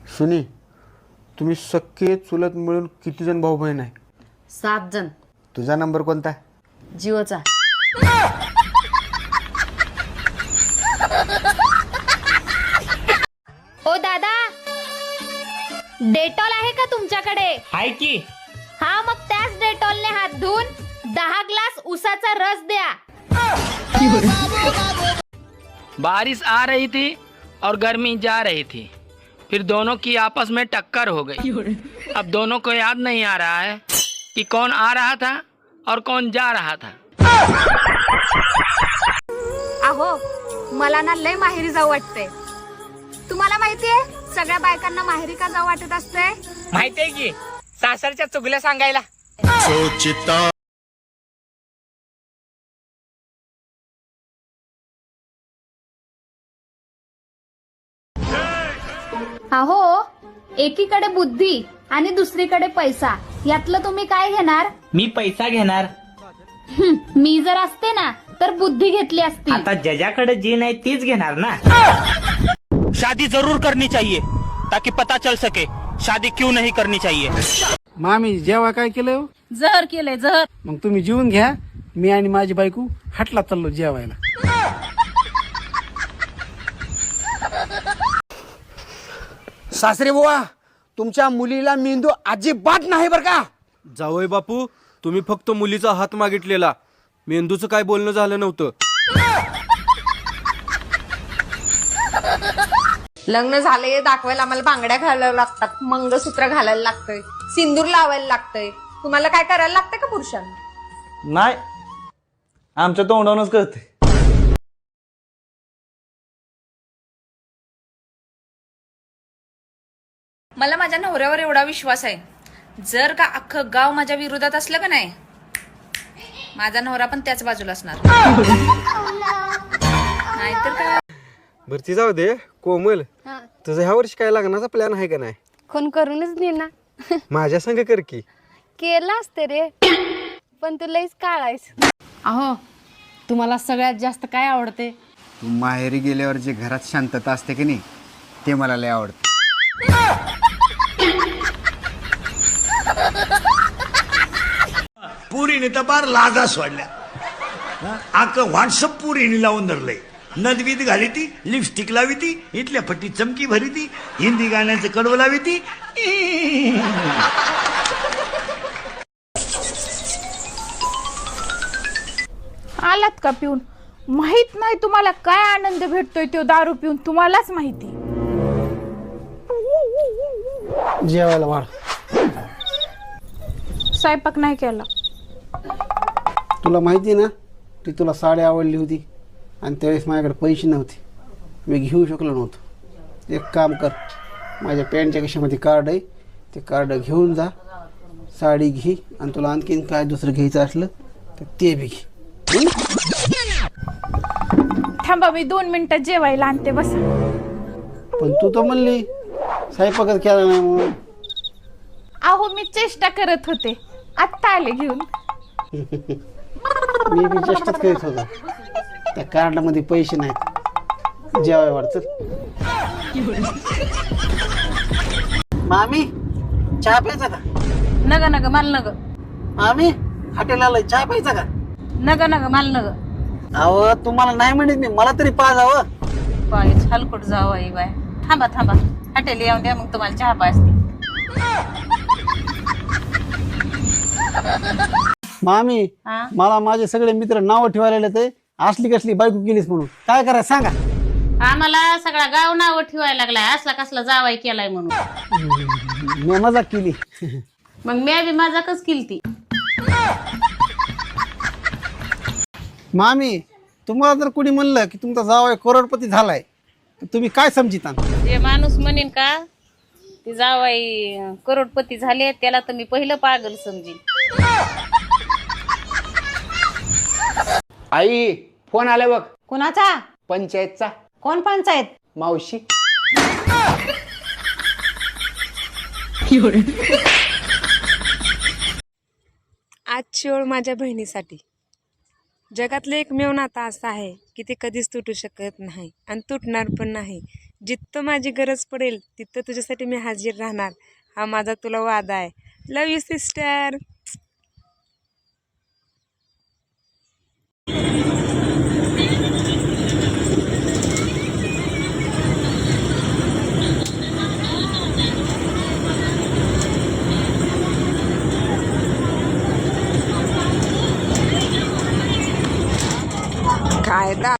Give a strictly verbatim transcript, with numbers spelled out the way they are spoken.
सुनी, तुम्ही सख्खे चुलत मिळून किती जण भाऊ बहीण आहे? सात जण. तुझा नंबर कोणता? जिओचा. ओ दादा, डेटॉल आहे का तुमच्याकडे? आहे की. हा, मग त्याच डेटॉलने हात धुवून दहा ग्लास उसाचा रस द्या. बारिश आ रही थी और गर्मी जा रही थी, फिर दोनों की आपस में टक्कर हो गई. अब दोनों को याद नहीं आ रहा है कि कौन आ रहा था और कौन जा रहा था. अहो, मला ना लय माहेरी जाऊ वाटते. तुम्हाला माहितीये सगळ्या बायकांना माहेरी का जाऊ वाटत असते? माहितीये की, सासरच्या चुगल्या सांगायला. अहो, एकीकडे बुद्धी आणि दुसरीकडे पैसा, यातलं तुम्ही काय घेणार? मी पैसा घेणार. हं, मी जर असते ना तर बुद्धी घेतली असती. आता ज्याच्याकडे जे नाही तेच घेणार ना. शादी जरूर करनी चाहिए ताकि पता चल सके शादी क्यों नहीं करनी चाहिए. मामी जेव्हा काय केलं? जहर केलंय जहर. मग तुम्ही जेवून घ्या, मी आणि माझी बायको हटला चाललो जेवायला. सासरे बुवा, तुमच्या मुलीला मेंदू अजिबात नाही बर का. जावई बापू, तुम्ही फक्त मुलीचा हात मागितलेला, मेंदूचं काय बोलणं झालं नव्हतं. लग्न झाले दाखवायला आम्हाला बांगड्या घालायला लागतात, मंगळसूत्र घालायला लागतंय, सिंदूर लावायला लागतंय. तुम्हाला काय करायला लागतंय का पुरुषांना? नाही, आमच्या तोंडावरूनच कळते. मला माझ्या नवऱ्यावर एवढा विश्वास आहे, जर का अख्खं गाव माझ्या विरोधात असलं का नाही, माझा नवरा पण त्याच बाजूला असणार. नाहीतर काय. भरती जाऊ दे. कोमल, तुझं ह्या वर्षी काय लग्नाचा प्लॅन आहे का नाही? कोण करूनच दे ना. माझ्या संग कर की. केला असते रे, पण तू लईच काळायस. अहो, तुम्हाला सगळ्यात जास्त काय आवडते? तू माहेरी गेल्यावर जे घरात शांतता असते की नाही, ते मला लय आवडतं. पुरीने तर बार लाजा सोडल्या. आक व्हॉट्सअप पुरीने लावून धरलंय. नदवीत घाली ती, लिपस्टिक लावी ती, इथल्या फट्टी चमकी भरी ती, हिंदी गाण्याचं कडवं लावी ती. आलात का पिऊन? माहित नाही तुम्हाला काय आनंद भेटतोय तो दारू पिऊन, तुम्हालाच माहिती. जेवायला वाढ. स्वयंपाक नाही केला. तुला माहिती ना, ती तुला साडी आवडली होती आणि त्यावेळेस माझ्याकडे पैसे नव्हते, मी घेऊ शकलो नव्हतो. एक काम कर, माझ्या पॅन्टच्या खिशामध्ये कार्ड आहे, ते कार्ड घेऊन जा, साडी घे, आणि तुला आणखीन काय दुसरं घ्यायचं असलं तर ते बी घे. थांबा, मी दोन मिनिटात जेवायला आणते, बस. पण तू तर म्हणली स्वयंपाकच केला नाही म्हणून. अहो, मी चेष्टा करत होते, आत्ता आले घेऊन. मी बी चेष्टाच करीत होतो. त्या कार्डामध्ये पैसे नाहीत, जेवाय वाढत. मामी, चहा प्यायचा का? नग नग माल नग. मामी, हॉटेल आलोय, चहा प्यायचा का? नग नग माल नग. अहो, तुम्हाला नाही म्हणत मी, मला तरी पाजावं. बाय हलकट जाऊ आई बाय. थांबा थांबा, हॉटेल येऊन द्या, मग तुम्हाला चहा पाजते. मामी, हा? मला माझे सगळे मित्र नावं ठेवायला लागले, असली कसली बायको केलीस म्हणून. काय करायचं सांगा. आम्हाला सगळा गाव नाव ठेवायला लागलाय, असला कसला जावाई केलाय म्हणून. मी मजाक केली. मग मी बी मजाकच केलती. मामी, तुम्हाला जर कोणी म्हणलं की तुमचा जावई करोडपती झालाय, तर तुम्ही काय समजिता? जे माणूस म्हणेन का ती जावाई करोडपती झाले, त्याला तर मी पहिलं पागल समजीन. आई, फोन आला बघ. कुणाचा? पंचायतचा. कोण पंचायत? मावशी. आजची ओळ माझ्या बहिणीसाठी. जगातलं एकमेव नातं असं आहे की ते कधीच तुटू शकत नाही आणि तुटणार पण नाही. जिथं माझी गरज पडेल तिथं तुझ्यासाठी मी हाजीर राहणार. हा माझा तुला वादा आहे. Love you sister. काय दा